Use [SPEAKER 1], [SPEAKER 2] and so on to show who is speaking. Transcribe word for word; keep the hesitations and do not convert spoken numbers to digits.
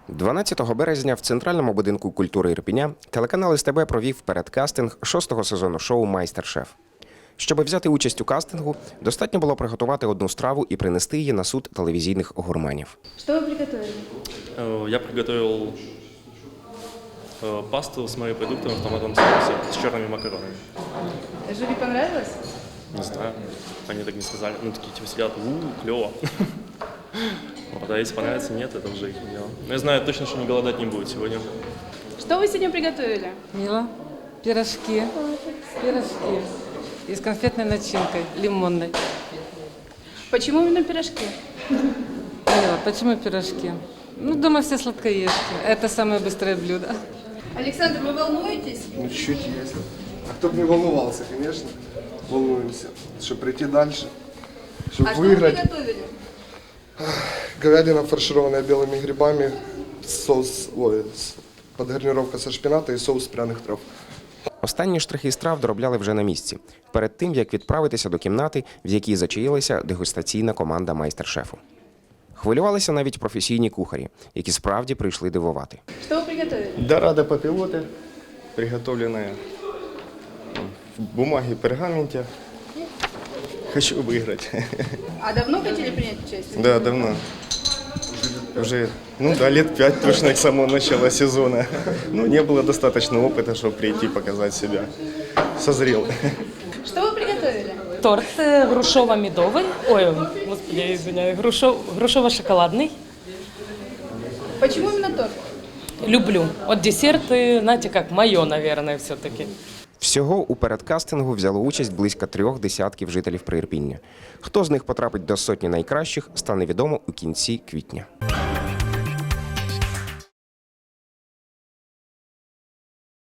[SPEAKER 1] дванадцятого березня в Центральному будинку культури Ірпеня телеканал ес те бе провів передкастинг шостого сезону шоу «Майстер-шеф». Щоб взяти участь у кастингу, достатньо було приготувати одну страву і принести її на суд телевізійних гурманів.
[SPEAKER 2] Что вы приготовили?
[SPEAKER 3] Э, Я приготовил э, пасту с морепродуктами в томатном соусе с черными макаронами.
[SPEAKER 2] Жюри понравилось?
[SPEAKER 3] Не знаю, они так не сказали. Ну, такие типа сидят, у клево. Вот, а если понравится, нет, это уже их дело. Но я знаю точно, что не голодать не будет сегодня.
[SPEAKER 2] Что вы сегодня приготовили?
[SPEAKER 4] Мила, пирожки, пирожки и с конфетной начинкой, лимонной.
[SPEAKER 2] Почему именно пирожки?
[SPEAKER 4] Мила, почему пирожки? Ну, дома все сладкоежки. Это самое быстрое блюдо.
[SPEAKER 2] Александр, вы волнуетесь?
[SPEAKER 5] Ну, чуть есть. А кто бы не волновался, конечно. Волнуемся, чтобы прийти дальше, чтобы
[SPEAKER 2] А что
[SPEAKER 5] выиграть.
[SPEAKER 2] вы приготовили?
[SPEAKER 5] Говядина, фаршированная белыми грибами, соус, ой, с- подгарнировка со шпината и соус пряных трав.
[SPEAKER 1] Останні штрихи страв доробляли вже на місці, перед тим, як відправитися до кімнати, в якій зачаїлася дегустаційна команда майстер-шефу. Хвилювалися навіть професійні кухарі, які справді прийшли дивувати.
[SPEAKER 2] Что вы приготовили?
[SPEAKER 6] Дорадо папилоты, приготовленные в бумаге и пергаменте. Хочу выиграть.
[SPEAKER 2] А давно хотели принять участие?
[SPEAKER 6] Да, давно. Уже, ну да, лет пять точно к самого начала сезона. Ну, не было достаточно опыта, чтобы прийти показать себя. Созрел.
[SPEAKER 2] Что вы приготовили?
[SPEAKER 7] Торт э, грушово-медовый, ой, господи, я извиняюсь, грушо, грушово-шоколадный.
[SPEAKER 2] Почему именно торт?
[SPEAKER 7] Люблю. Вот десерты, знаете, как мое, наверное, все-таки.
[SPEAKER 1] Всього у передкастингу взяло участь близько трьох десятків жителів Приірпіння. Хто з них потрапить до сотні найкращих, стане відомо у кінці квітня.